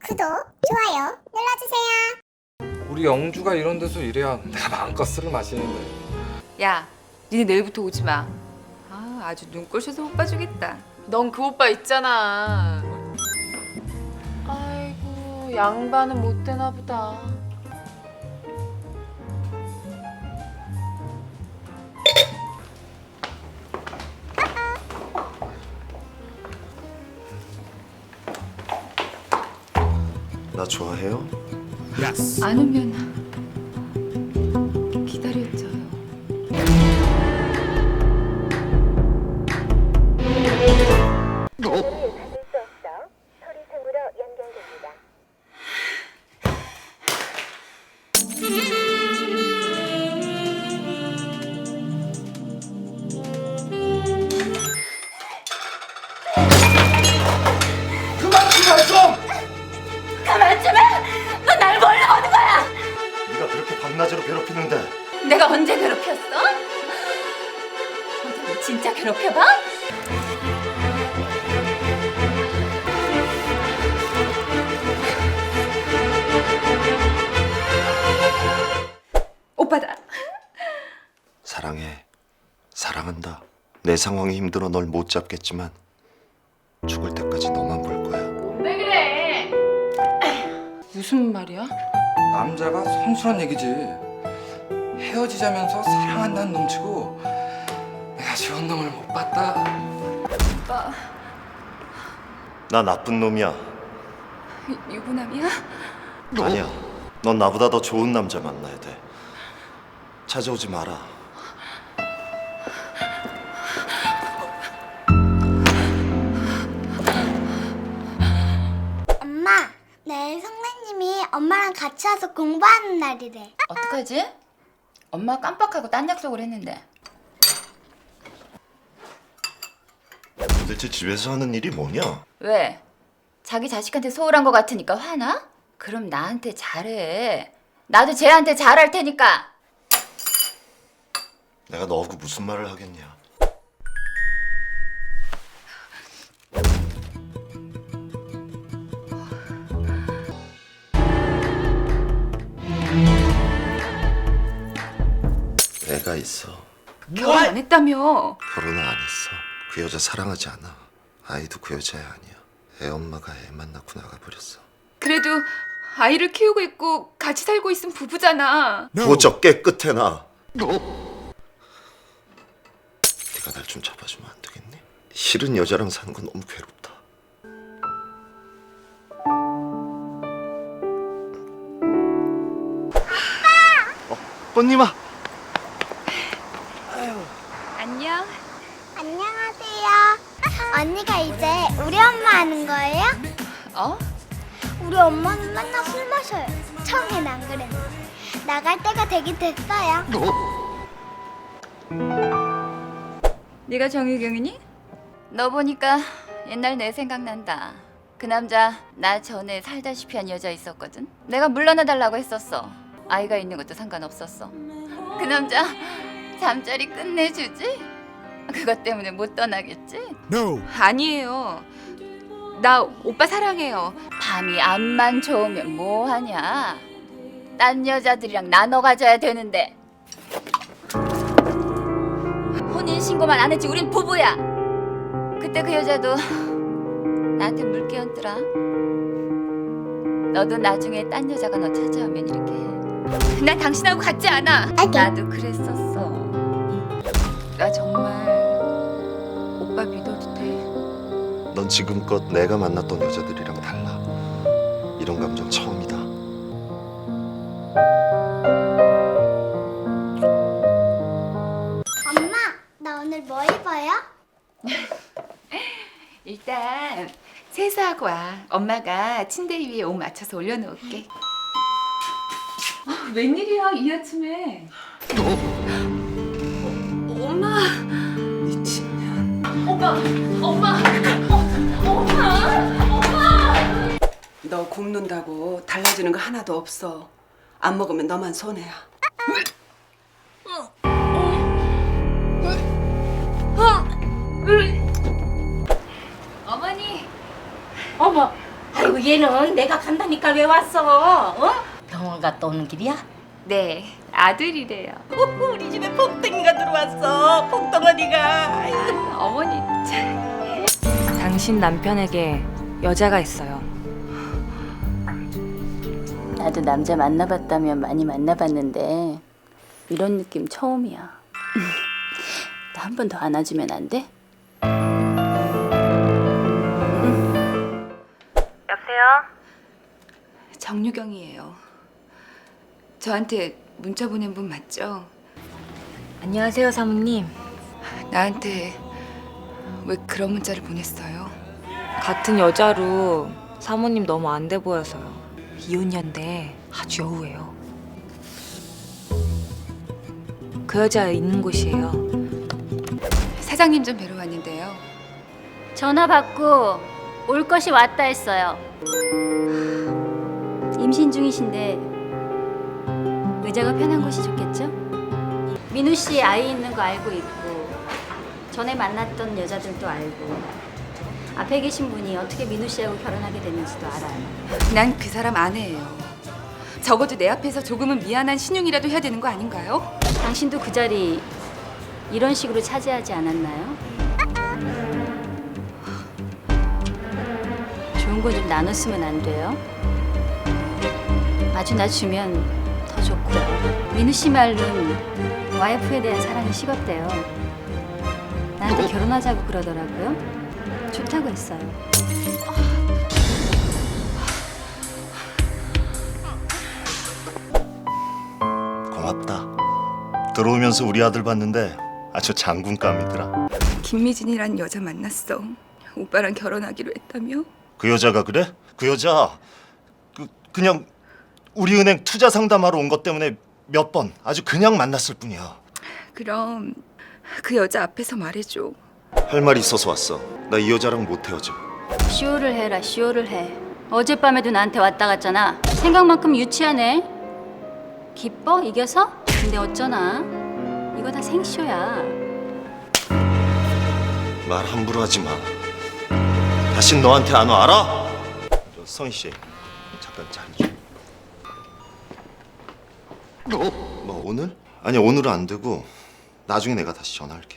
구독, 좋아요 눌러주세요. 우리 영주가 이런 데서 일해야 내가 마음껏 술을 마시는데. 야, 니네 내일부터 오지 마. 아, 아주 눈꼴셔서 못 봐주겠다. 넌 그 오빠 있잖아. 아이고, 양반은 못 되나 보다. 나 좋아해요? 안 오면 기다려줘요. 그만 좀! 가만 좀 해! 너 날 뭘로 보는 거야? 네가 그렇게 밤낮으로 괴롭히는데 내가 언제 괴롭혔어? 어디 진짜 괴롭혀봐? 오빠다. 사랑해. 사랑한다. 내 상황이 힘들어 널 못 잡겠지만 죽을 때까지 너만 볼 거야. 왜 그래? 무슨 말이야? 남자가 성실한 얘기지. 헤어지자면서 사랑한다는 놈치고 내가 좋은 놈을 못 봤다. 오빠, 나 나쁜 놈이야. 유부남이야? 아니야. 넌 나보다 더 좋은 남자 만나야 돼. 찾아오지 마라. 엄마, 내일 선생님이 엄마랑 같이 와서 공부하는 날이래. 어떡하지? 엄마 깜빡하고 딴 약속을 했는데. 도대체 집에서 하는 일이 뭐냐? 왜? 자기 자식한테 소홀한 것 같으니까 화나? 그럼 나한테 잘해. 나도 쟤한테 잘할 테니까. 내가 너하고 무슨 말을 하겠냐? 애가 있어. 결혼 안 했다며. 결혼을 안 했어. 그 여자 사랑하지 않아. 아이도 그 여자애 아니야. 애 엄마가 애만 낳고 나가버렸어. 그래도 아이를 키우고 있고 같이 살고 있은 부부잖아. 부쩍 깨끗해나. 네가 날 좀 잡아주면 안 되겠니? 싫은 여자랑 사는 건 너무 괴롭다. 뽀님아. 안녕. 안녕하세요. 언니가 이제 우리 엄마 하는 거예요? 어? 우리 엄마는 맨날 술 마셔요. 처음엔 안 그랬는데 나갈 때가 되긴 됐어요. 네가 정유경이니? 너 보니까 옛날 내 생각난다. 그 남자 나 전에 살다시피 한 여자 있었거든. 내가 물러나달라고 했었어. 아이가 있는 것도 상관없었어. 그 남자 잠자리 끝내주지? 그것 때문에 못 떠나겠지? 아니에요. 나 오빠 사랑해요. 밤이 앞만 좋으면 뭐하냐? 딴 여자들이랑 나눠 가져야 되는데. 혼인신고만 안 했지 우린 부부야. 그때 그 여자도 나한테 물 끼얹더라. 너도 나중에 딴 여자가 너 찾아오면 이렇게 해. 난 당신하고 같지 않아. 나도 그랬었어. 나 정말 오빠 믿어도 돼? 넌 지금껏 내가 만났던 여자들이랑 달라. 이런 감정 처음이다. 엄마, 나 오늘 뭐 입어요? 일단 세수하고 와. 엄마가 침대 위에 옷 맞춰서 올려놓을게. 웬일이야 이 아침에? 엄마. 미친년. 엄마. 너 굶는다고 달라지는 거 하나도 없어. 안 먹으면 너만 손해야. 어머니. 어머, 아이고 얘는 내가 간다니까 왜 왔어? 어? 병원 갔다 오는 길이야? 네, 아들이래요. 우리 집에 폭등이가 들어왔어. 폭덩어리가. 어머니 참. 당신 남편에게 여자가 있어요. 나도 남자 만나봤다면 많이 만나봤는데 이런 느낌 처음이야. 나 한 번 더 안아주면 안 돼? 여보세요? 정유경이에요. 저한테 문자 보낸 분 맞죠? 안녕하세요, 사모님. 나한테 왜 그런 문자를 보냈어요? 같은 여자로 사모님 너무 안 돼 보여서요. 이혼녀인데 아주 여우예요. 그 여자 있는 곳이에요. 사장님 좀 뵈러 왔는데요. 전화 받고 올 것이 왔다 했어요. 임신 중이신데 의자가 편한 곳이 좋겠죠? 민우 씨 아이 있는 거 알고 있고 전에 만났던 여자들도 알고 앞에 계신 분이 어떻게 민우 씨하고 결혼하게 됐는지도 알아요. 난 그 사람 아내예요. 적어도 내 앞에서 조금은 미안한 신용이라도 해야 되는 거 아닌가요? 당신도 그 자리 이런 식으로 차지하지 않았나요? 좋은 거 좀 나눴으면 안 돼요? 아주 나 주면 더 좋고요. 민우 씨 말로는 와이프에 대한 사랑이 식었대요. 나한테 결혼하자고 그러더라고요. 좋다고 했어요. 고맙다. 들어오면서 우리 아들 봤는데 아주 장군감이더라. 김미진이란 여자 만났어. 오빠랑 결혼하기로 했다며? 그 여자가 그래? 그 여자 그냥 우리 은행 투자 상담하러 온 것 때문에 몇 번 아주 그냥 만났을 뿐이야. 그럼 그 여자 앞에서 말해줘. 할 말이 있어서 왔어. 나 이 여자랑 못 헤어져. 쇼를 해라, 쇼를 해. 어젯밤에도 나한테 왔다 갔잖아. 생각만큼 유치하네. 기뻐? 이겨서? 근데 어쩌나? 이거 다 생쇼야. 말 함부로 하지 마. 다신 너한테 안 와, 알아? 성희 씨, 잠깐 자리 좀. 뭐 오늘? 아니 오늘은 안 되고 나중에 내가 다시 전화할게.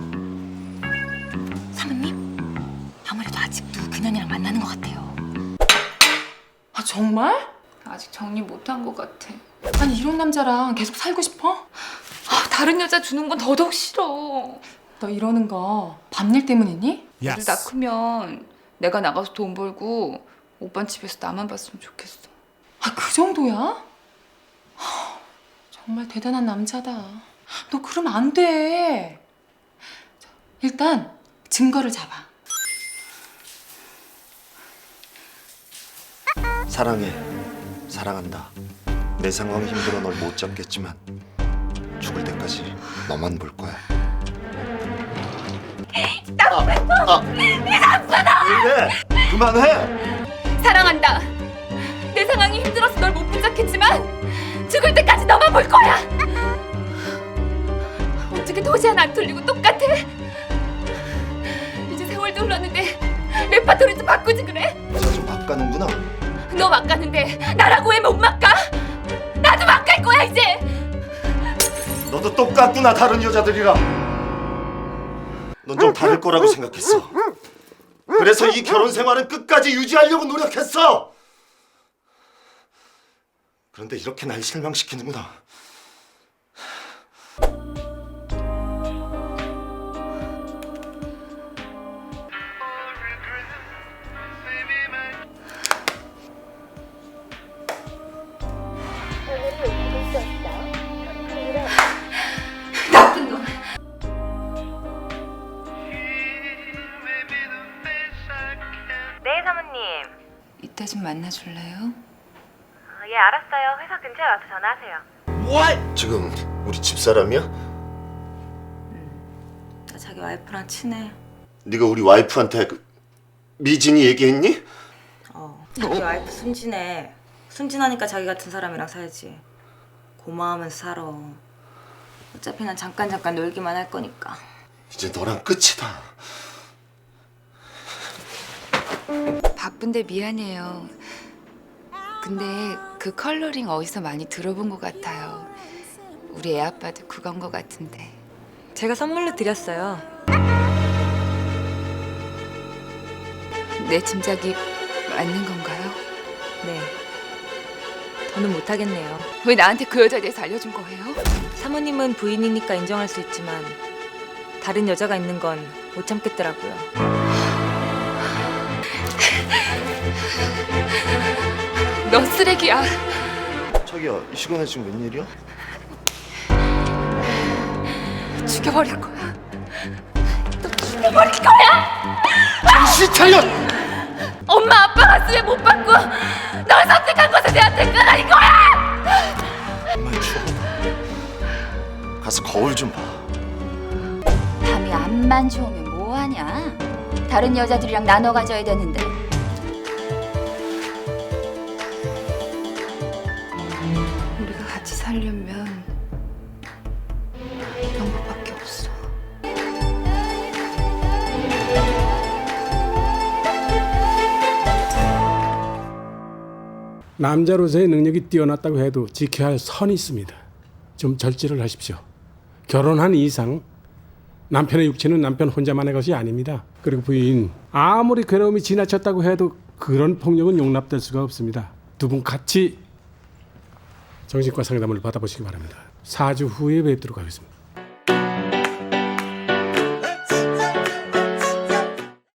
사모님? 아무래도 아직도 그년이랑 만나는 것 같아요. 아 정말? 아직 정리 못한 것 같아. 아니 이런 남자랑 계속 살고 싶어? 아, 다른 여자 주는 건 더더욱 싫어. 너 이러는 거 밤일 때문이니? 애를 낳으면 내가 나가서 돈 벌고 오빤 집에서 나만 봤으면 좋겠어. 아 그 정도야? 하, 정말 대단한 남자다. 너 그러면 안 돼. 자, 일단 증거를 잡아. 사랑해, 사랑한다. 내 상황이 힘들어 널 못 잡겠지만 죽을 때까지 너만 볼 거야. 왜? 그만해. 사랑한다. 내 상황이 힘들어서 널 못 붙잡겠지만 죽을 때까지 너만 볼 거야. 어떻게 도저히 안 틀리고 똑같아? 이제 세월도 흘렀는데 레파토리 좀 바꾸지 그래? 자주 바꿔는구나. 너 막 가는데 나라고 왜 못 막가? 나도 막 갈 거야 이제. 너도 똑같구나 다른 여자들이랑. 넌 좀 다를 거라고 생각했어. 그래서 이 결혼 생활은 끝까지 유지하려고 노력했어. 그런데 이렇게 날 실망시키는구나. 나쁜 놈. 네, 사모님. 이따 좀 만나줄래요? 예, 알았어요. 회사 근처에 와서 전화하세요. 지금 우리 집사람이야? 나 자기 와이프랑 친해. 네가 우리 와이프한테 미진이 얘기했니? 자기 와이프 순진해. 순진하니까 자기 같은 사람이랑 살지. 고마우면서 살아. 어차피 난 잠깐 놀기만 할 거니까. 이제 너랑 끝이다. 바쁜데 미안해요. 근데 그 컬러링 어디서 많이 들어본 것 같아요. 우리 애 아빠도 그건 것 같은데. 제가 선물로 드렸어요. 내 짐작이 맞는 건가요? 네. 더는 못하겠네요. 왜 나한테 그 여자에 대해서 알려준 거예요? 사모님은 부인이니까 인정할 수 있지만 다른 여자가 있는 건 못 참겠더라고요. 너 쓰레기야. 자기야, 이 시간에 지금 웬일이야? 죽여버릴 거야. 정신 차려! 엄마 아빠가 쓰레 못 받고 널 선택한 것에 대한 대가라는 거야. 정말 추하다. 가서 거울 좀 봐. 밤이 안만 좋으면 뭐하냐? 다른 여자들이랑 나눠 가져야 되는데. 우리가 같이 살려면 이런 것밖에 없어. 남자로서의 능력이 뛰어났다고 해도 지켜야 할 선이 있습니다. 좀 절제를 하십시오. 결혼한 이상 남편의 육체는 남편 혼자만의 것이 아닙니다. 그리고 부인, 아무리 괴로움이 지나쳤다고 해도 그런 폭력은 용납될 수가 없습니다. 두 분 같이 정신과 상담을 받아보시기 바랍니다. 4주 후에 뵙도록 하겠습니다.